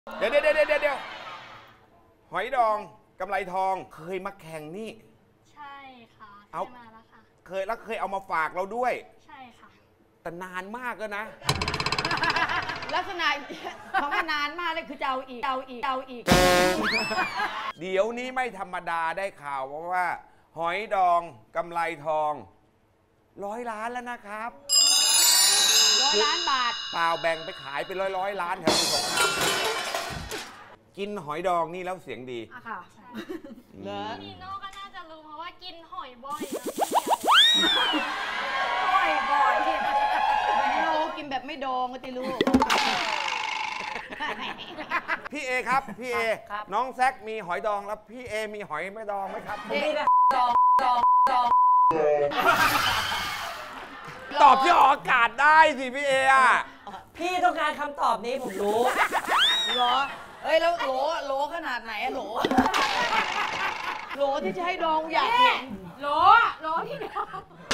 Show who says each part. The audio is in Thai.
Speaker 1: เดี๋ยวหอยดองกำไรทองเคยมาแข่งนี่
Speaker 2: ใช่ค่ะ
Speaker 1: เอา
Speaker 2: มาแล้วค่ะ
Speaker 1: เคยเอามาฝากเราด้วย
Speaker 2: ใช่ค่ะ
Speaker 1: แต่นานมากแล้วนะ
Speaker 3: ลักษณะของนานมากเลยคือจะเอาอีก
Speaker 1: เดี๋ยวนี้ไม่ธรรมดาได้ข่าวว่าหอยดองกำไรทอง100 ล้านแล้วนะครับ
Speaker 3: 100 ล้านบาท
Speaker 1: เปล่าแบ่งไปขายเป็นร้อยล้านแถวสงครามกินหอยดองนี่แล้วเสียงดี
Speaker 3: ค่ะ
Speaker 2: พี่โน่ก็น่าจะรู้เพราะว่ากินหอยบ่อย
Speaker 3: บ่อยไม่รู้กินแบบไม่ดองก็จะรู้
Speaker 1: พี่เอครับพี่เอน้องแซคมีหอยดองแล้วพี่เอมีหอยไม่ดองไหมครับ
Speaker 3: ดอง
Speaker 1: ตอบที่ออกอากาศได้สิพี่เออ่ะ
Speaker 4: พี่ต้องการคำตอบนี้ผมรู้
Speaker 3: เหรอเอ้ยแล้วโหลขนาดไหนอะโหลที่จะให้ดองอยากเห็นโหลที่ดอง